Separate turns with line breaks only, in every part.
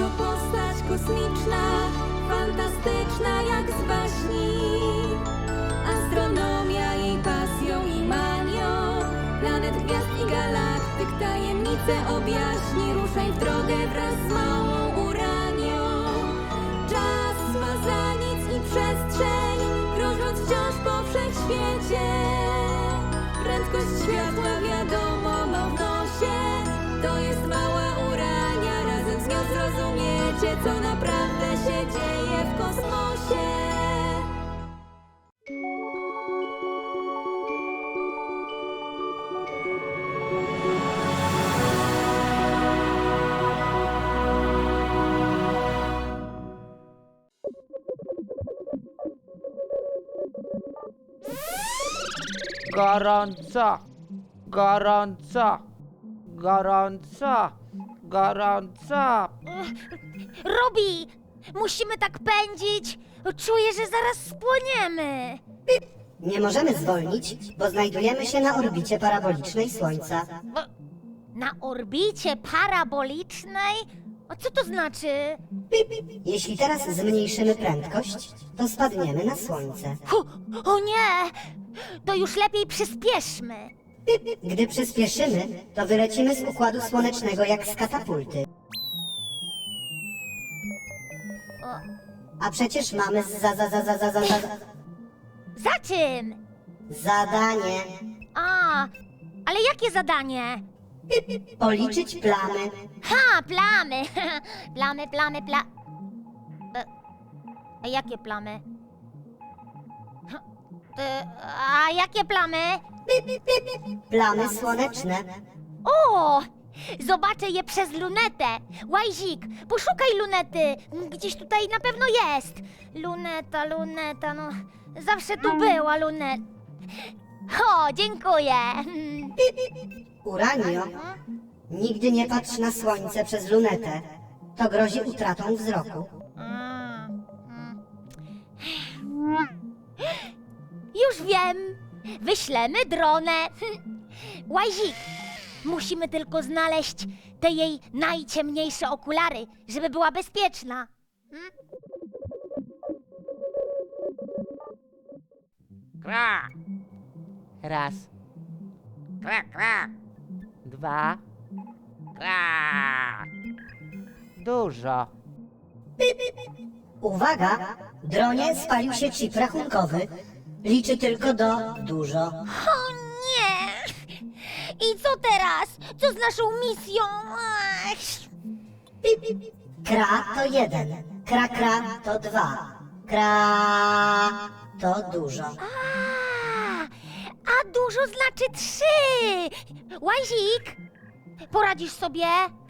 To postać kosmiczna, fantastyczna jak z baśni. Astronomia jej pasją i manią, planet, gwiazd i galaktyk tajemnice objaśni. Ruszaj w drogę wraz z małą Uranią. Czas ma za nic i przestrzeń, krążąc wciąż po wszechświecie. Prędkość światła wiadomo ma w nosie. To jest mała Urania, razem z nią zrozumiecie, co naprawdę się dzieje w kosmosie.
Gorąco, gorąco, gorąco, gorąco.
Robi! Musimy tak pędzić! Czuję, że zaraz spłoniemy!
Nie możemy zwolnić, bo znajdujemy się na orbicie parabolicznej Słońca.
Na orbicie parabolicznej? A co to znaczy?
Jeśli teraz zmniejszymy prędkość, to spadniemy na Słońce.
O nie! To już lepiej przyspieszmy!
Gdy przyspieszymy, to wylecimy z Układu Słonecznego jak z katapulty. A przecież mamy
Za czym?
zadanie
A, ale jakie zadanie?
policzyć plamy.
Ha, plamy! A jakie plamy? A jakie plamy?
Plamy słoneczne.
O! Zobaczę je przez lunetę. Łajzik, poszukaj lunety. Gdzieś tutaj na pewno jest. Luneta, no. Zawsze tu była luneta. O, dziękuję.
Uranio, nigdy nie patrz na Słońce przez lunetę. To grozi utratą wzroku.
Już wiem. Wyślemy dronę. Łajzik, musimy tylko znaleźć te jej najciemniejsze okulary, żeby była bezpieczna.
Kra. Raz,
Kra, kra,
dwa,
kra.
dużo.
Uwaga! Dronie spalił się chip rachunkowy. Liczy tylko do dużo.
O nie! I co teraz? Co z naszą misją? Ach.
Kra to 1, kra to 2, kra to dużo.
A dużo znaczy 3! Łazik, poradzisz sobie?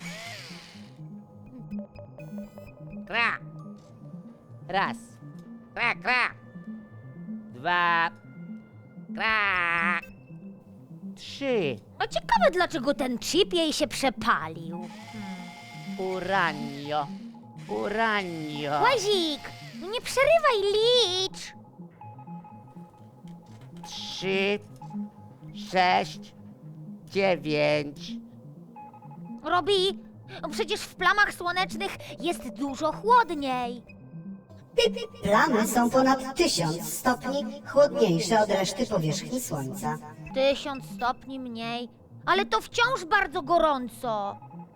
Kra,
Raz,
kra, kra,
dwa,
kra.
trzy.
A ciekawe, dlaczego ten chip jej się przepalił.
Uranio, uranio.
Łazik, nie przerywaj, licz!
3, 6, 9.
Robi, przecież w plamach słonecznych jest dużo chłodniej.
Plamy są ponad 1000 stopni chłodniejsze od reszty powierzchni Słońca.
1000 stopni mniej, ale to wciąż bardzo gorąco.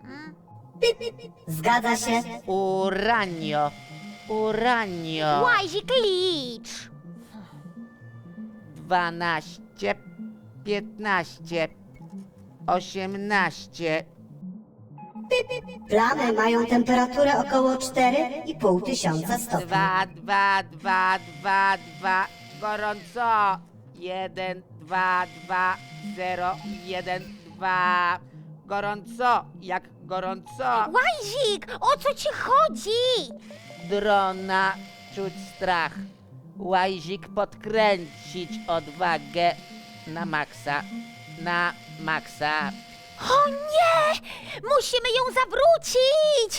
Zgadza się?
Uranio, uranio.
Łazik, licz!
12, 15, 18.
Plamy mają temperaturę około 4500 stopni.
2, 2, 2, 2, 2. Gorąco. 1, 2, 2, 0, 1, 2. Gorąco, jak gorąco.
Łazik, o co ci chodzi?
Drona czuć strach. Łazik podkręcić odwagę na maksa. Na maksa.
O nie! Musimy ją zawrócić!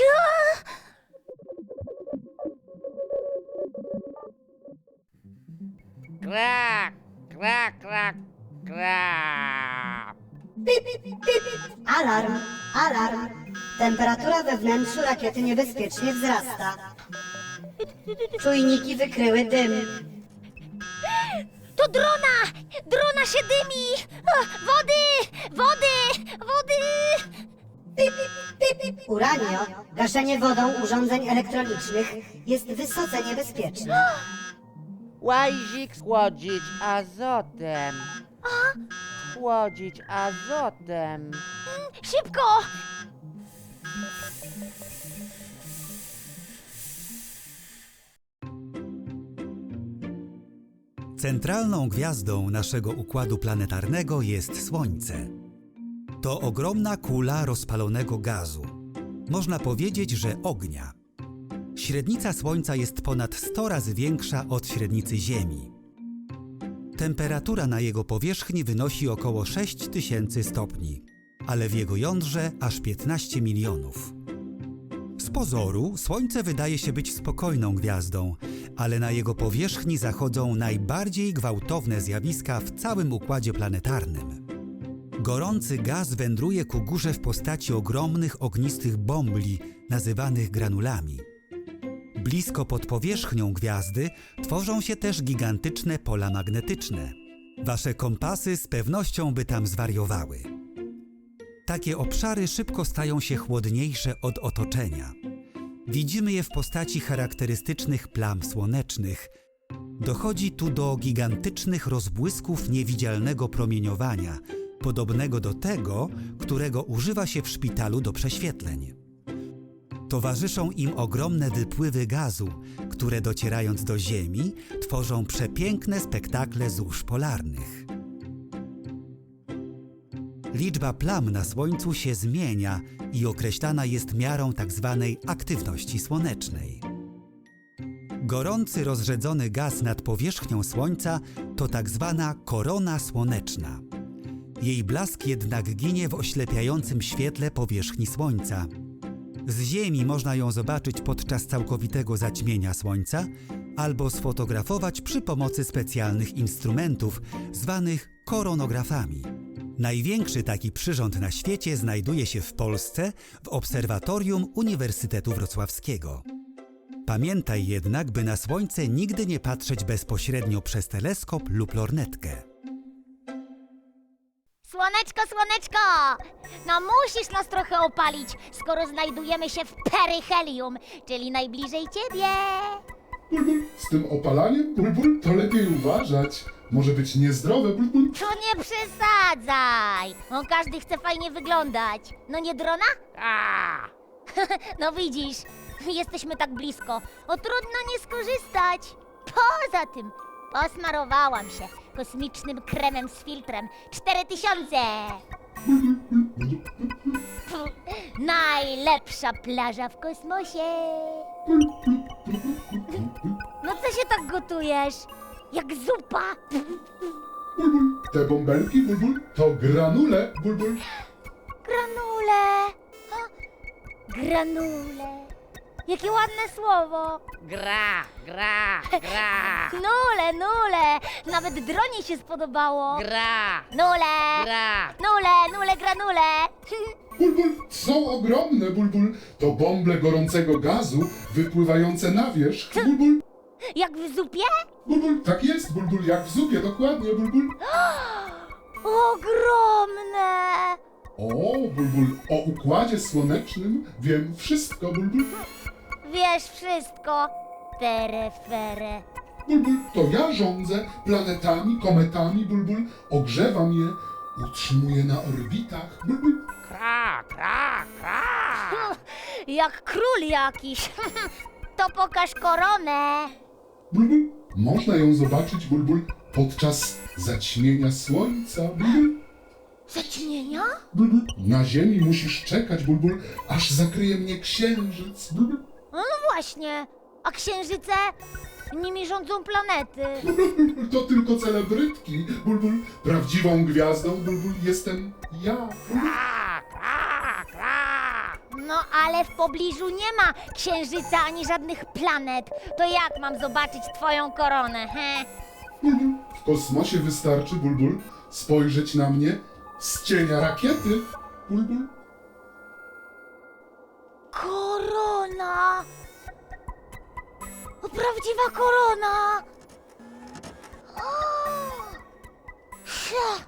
Kra, kra, kra, kra.
Alarm, alarm. Temperatura we wnętrzu rakiety niebezpiecznie wzrasta. Czujniki wykryły dym.
To drona! Drona się dymi! O, wody! Wody! Wody!
Uranio, gaszenie wodą urządzeń elektronicznych jest wysoce niebezpieczne.
Łazik schłodzić azotem. Schłodzić azotem.
Szybko!
Centralną gwiazdą naszego układu planetarnego jest Słońce. To ogromna kula rozpalonego gazu. Można powiedzieć, że ognia. Średnica Słońca jest ponad 100 razy większa od średnicy Ziemi. Temperatura na jego powierzchni wynosi około 6000 stopni, ale w jego jądrze aż 15 milionów. Z pozoru Słońce wydaje się być spokojną gwiazdą, ale na jego powierzchni zachodzą najbardziej gwałtowne zjawiska w całym układzie planetarnym. Gorący gaz wędruje ku górze w postaci ogromnych ognistych bombli, nazywanych granulami. Blisko pod powierzchnią gwiazdy tworzą się też gigantyczne pola magnetyczne. Wasze kompasy z pewnością by tam zwariowały. Takie obszary szybko stają się chłodniejsze od otoczenia. Widzimy je w postaci charakterystycznych plam słonecznych. Dochodzi tu do gigantycznych rozbłysków niewidzialnego promieniowania, podobnego do tego, którego używa się w szpitalu do prześwietleń. Towarzyszą im ogromne wypływy gazu, które docierając do Ziemi, tworzą przepiękne spektakle zórz polarnych. Liczba plam na Słońcu się zmienia i określana jest miarą tzw. aktywności słonecznej. Gorący, rozrzedzony gaz nad powierzchnią Słońca to tzw. korona słoneczna. Jej blask jednak ginie w oślepiającym świetle powierzchni Słońca. Z Ziemi można ją zobaczyć podczas całkowitego zaćmienia Słońca albo sfotografować przy pomocy specjalnych instrumentów zwanych koronografami. Największy taki przyrząd na świecie znajduje się w Polsce w Obserwatorium Uniwersytetu Wrocławskiego. Pamiętaj jednak, by na Słońce nigdy nie patrzeć bezpośrednio przez teleskop lub lornetkę.
Słoneczko, słoneczko! No musisz nas trochę opalić, skoro znajdujemy się w peryhelium, czyli najbliżej ciebie.
Bulbul, z tym opalaniem, Bulbul, to lepiej uważać. Może być niezdrowe, Bulbul.
To nie przesadzaj! No każdy chce fajnie wyglądać. No nie drona?
Kra.
No widzisz, jesteśmy tak blisko. O trudno nie skorzystać. Poza tym, posmarowałam się kosmicznym kremem z filtrem 4000. Najlepsza plaża w kosmosie. No co się tak gotujesz? Jak zupa.
Bulbul, te bąbelki, Bulbul, to granule, Bulbul.
Granule. Ha, granule. Jakie ładne słowo.
Gra, gra, gra.
Nule, nule. Nawet dronie się spodobało.
Gra,
Nule.
gra.
Nule, nule, granule.
Bulbul, są ogromne, Bulbul. To bąble gorącego gazu wypływające na wierzch, Bulbul.
Jak w zupie?
Bulbul, tak jest, Bulbul, jak w zupie, dokładnie, Bulbul.
Ogromne.
O, Bulbul, o układzie słonecznym wiem wszystko, Bulbul.
Wiesz wszystko. Fere, fere.
Bulbul, to ja rządzę planetami, kometami, Bulbul. Ogrzewam je, utrzymuję na orbitach, Bulbul.
Kra, kra, kra.
Jak król jakiś. To pokaż koronę.
Bulbul, można ją zobaczyć, Bulbul, podczas zaćmienia słońca, Bulbul.
Zaćmienia?
Bulbul, na ziemi musisz czekać, Bulbul, aż zakryje mnie księżyc, Bulbul.
No właśnie. A księżyce? Nimi rządzą planety.
Bulbul, to tylko celebrytki, Bulbul. Prawdziwą gwiazdą, Bulbul, jestem ja.
Kra, kra, kra.
No ale w pobliżu nie ma księżyca ani żadnych planet. To jak mam zobaczyć twoją koronę, he?
Bulbul, w kosmosie wystarczy, Bulbul, spojrzeć na mnie Z cienia rakiety, Bulbul.
Korona! Prawdziwa korona! O! Sia!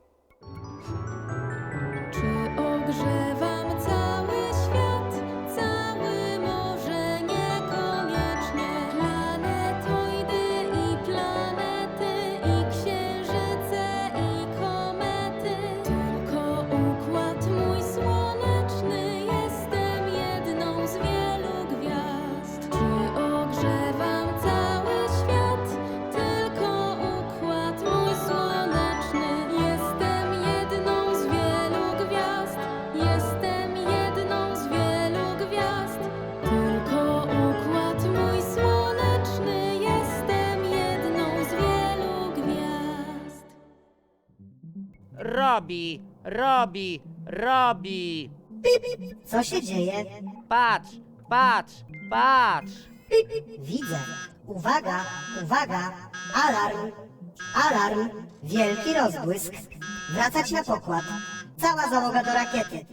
Czy ogrzewam cały świat? Cały może niekoniecznie. Planetoidy i planety, i księżyce, i komety. Tylko układ mój słoneczny, jestem jedną z wielu gwiazd. Czy ogrzewam cały świat? Tylko układ mój słoneczny, jestem jedną z wielu gwiazd. Jestem jedną z wielu gwiazd. Tylko układ mój słoneczny, jestem jedną z wielu gwiazd.
Robi.
Co się dzieje?
Patrz.
Widzę. Uwaga, uwaga. Alarm. Alarm. Wielki rozbłysk. Wracać na pokład. Cała załoga do rakiety.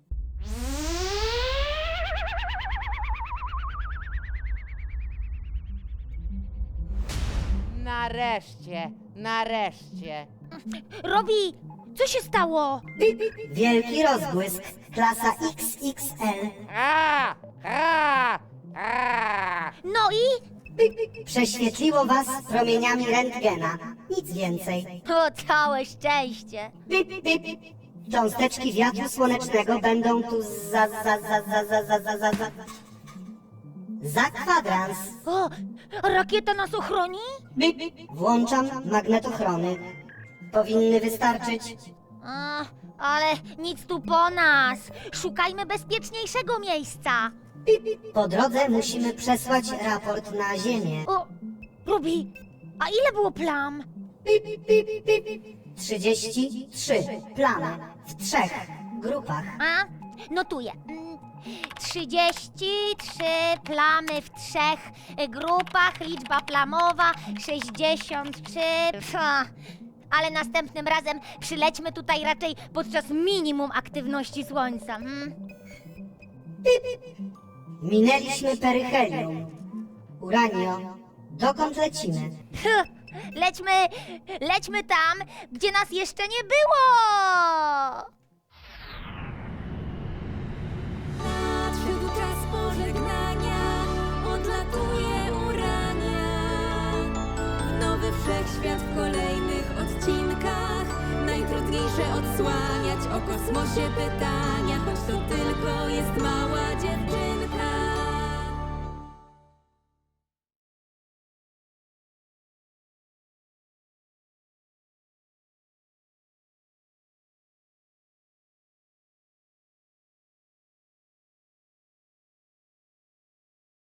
Nareszcie.
Robi, co się stało?
Wielki rozbłysk. Klasa XXL.
No i?
Prześwietliło was promieniami rentgena. Nic więcej.
O, całe szczęście.
Cząsteczki wiatru słonecznego będą tu za kwadrans.
O, a rakieta nas ochroni?
Włączam magnetochrony. Powinny wystarczyć.
A, ale nic tu po nas. Szukajmy bezpieczniejszego miejsca.
Po drodze musimy przesłać raport na Ziemię.
O, Rubi, a ile było plam?
33 plamy w 3 grupach.
A, notuję. 33 plamy w 3 grupach, liczba plamowa 63. Ale następnym razem przylećmy tutaj raczej podczas minimum aktywności Słońca.
Minęliśmy peryhelium. Uranio, dokąd lecimy?
Lećmy tam, gdzie nas jeszcze nie było!
Nadszedł czas pożegnania, odlatuje Urania. W nowy wszechświat w kolejnych odcinkach. Najtrudniejsze odsłaniać o kosmosie pytania.